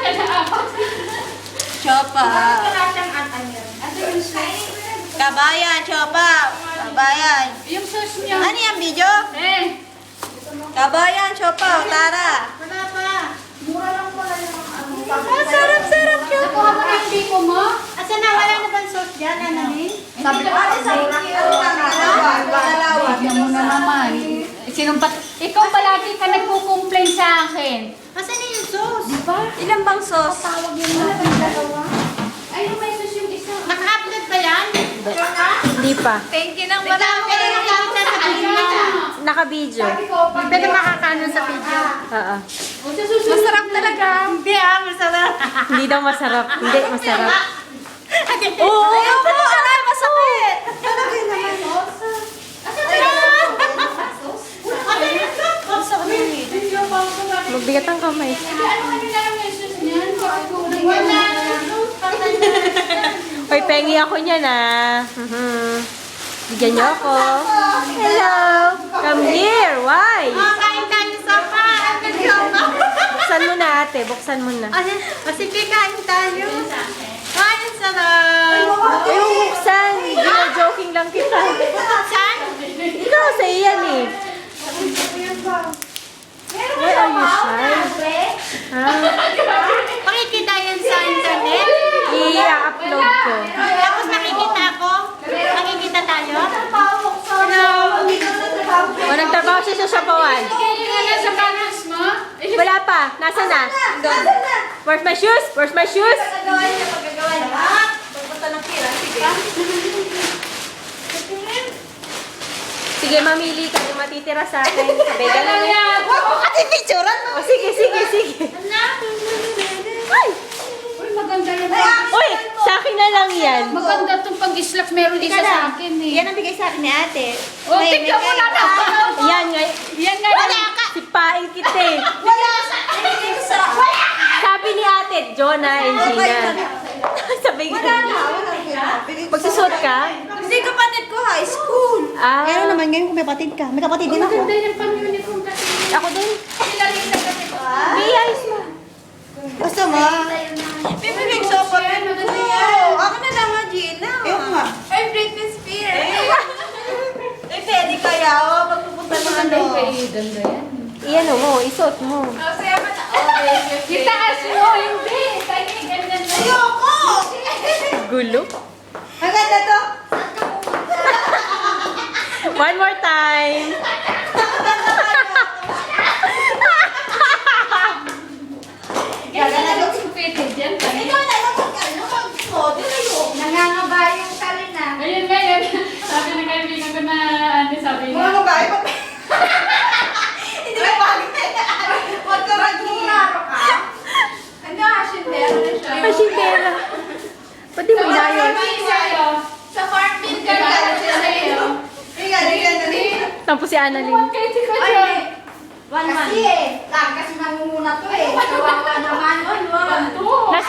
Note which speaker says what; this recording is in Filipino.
Speaker 1: Chopa. Kabayan, Chopa. Kabayan.
Speaker 2: Yung sauce niya.
Speaker 1: Ano yung video?
Speaker 2: Eh.
Speaker 1: Kabayan, Chopa. Tara.
Speaker 3: Wala pa. Mura lang pala yung
Speaker 1: Sarap, Chopa.
Speaker 2: Nakuha mo na yung biko mo?
Speaker 3: Asa na, wala na bang sauce dyan, Annalyn?
Speaker 1: Sabi ko,
Speaker 2: Tignan mo na naman. Ikaw palagi ka nagko-complain sa akin.
Speaker 3: Asa na yung sauce?
Speaker 2: Diba?
Speaker 1: Ilan bang sauce?
Speaker 2: Tawag yun natin dalawa. Ay, may sauce yung isa.
Speaker 3: Naka-upload ba yan?
Speaker 1: Hindi pa.
Speaker 3: Thank you ng marami. Pero nakikita sa video.
Speaker 1: Naka-video.
Speaker 3: Pero makakano sa video.
Speaker 1: Oo.
Speaker 3: Masarap talaga. Hindi masarap.
Speaker 1: Hindi daw masarap. Hindi, masarap.
Speaker 3: Oo,
Speaker 1: masarap. Masakit.
Speaker 3: Talaga naman.
Speaker 1: Magbigat ang kamay.
Speaker 2: Ano na lang yung sauce niyan?
Speaker 3: Wala.
Speaker 1: Hoy, pengi ako niyan Bigyan niyo ako. Hello. Come here. Why?
Speaker 3: Kain tayo sa pa.
Speaker 1: Buksan mo na, ate. Buksan mo na.
Speaker 3: Sige, kain tayo. Ay, ang sarap.
Speaker 1: Ayaw buksan. Joking lang kita.
Speaker 3: Saan?
Speaker 1: Ikaw, sa iyan eh. Why are you shy? Ha?
Speaker 3: Makikita yan sa internet?
Speaker 1: I-upload ko.
Speaker 3: Tapos makikita ako? Makikita tayo? Hello?
Speaker 1: O, nagtrabaho siya sa Shapawan.
Speaker 2: Kaya nga nasa panos mo?
Speaker 1: Wala pa. Nasaan na? Where's my shoes? Where's my shoes? Sige, mamili ka yung matitira sa akin. Sabay ka lang. Ate, picturean mo. O, sige. Ay!
Speaker 2: Uy, maganda yan.
Speaker 1: Uy, sa akin na lang yan.
Speaker 2: Maganda itong pag-islak. Meron isa sa akin eh.
Speaker 3: Yan ang bigay sa akin ni ate.
Speaker 2: Oh, tignan mo na naman.
Speaker 1: Yan nga.
Speaker 2: Yan nga.
Speaker 3: Wala ka!
Speaker 1: Sipain kita eh.
Speaker 3: Wala sa akin! Wala!
Speaker 1: Sabi ni ate, Jonah and Gina. Sabay ka. Magsusot ka?
Speaker 3: Kasi kapatid ko high school.
Speaker 1: Ah.
Speaker 3: Ano naman ngayon kung may kapatid ka? May kapatid din ako.
Speaker 2: Maganda yung pang-uniform kasi.
Speaker 1: Ako din.
Speaker 2: Sila rin sa kasi ko.
Speaker 1: May ayos mo.
Speaker 3: Gusto mo? Bibigay sa kapatid ko. Ako na lang nga, Gina. Ayoko nga. Ay, Britney Spears. Eh, pwede kaya ako magpupunta ng ano.
Speaker 2: Ganda yan.
Speaker 1: Iyan mo, isuot mo.
Speaker 2: Itaas mo, hindi. Kaya ganyan na.
Speaker 3: Ayoko!
Speaker 1: Gulo.
Speaker 3: Ang ganda to.
Speaker 1: One more time.
Speaker 2: Ganyan na supeted yan.
Speaker 3: Ikaw na lang mag-model ayoko. Nangangaba yung talina.
Speaker 2: Ayun nga yan. Sabi ng kaibigan ko na ano sabi niya.
Speaker 3: Mga babae pa. Hindi ba bagay? Huwag ka mag-iaro ka. Ano, asyendero na siya.
Speaker 1: Pasindera. Pati mo inayon.
Speaker 3: Sa farm bill ka na siya sa'yo. Hindi.
Speaker 1: Tapos si Annalyn.
Speaker 2: Kahit ikaw siya.
Speaker 3: Kasi eh, kasi nangunguna to eh. Kawawa naman.
Speaker 2: Ito.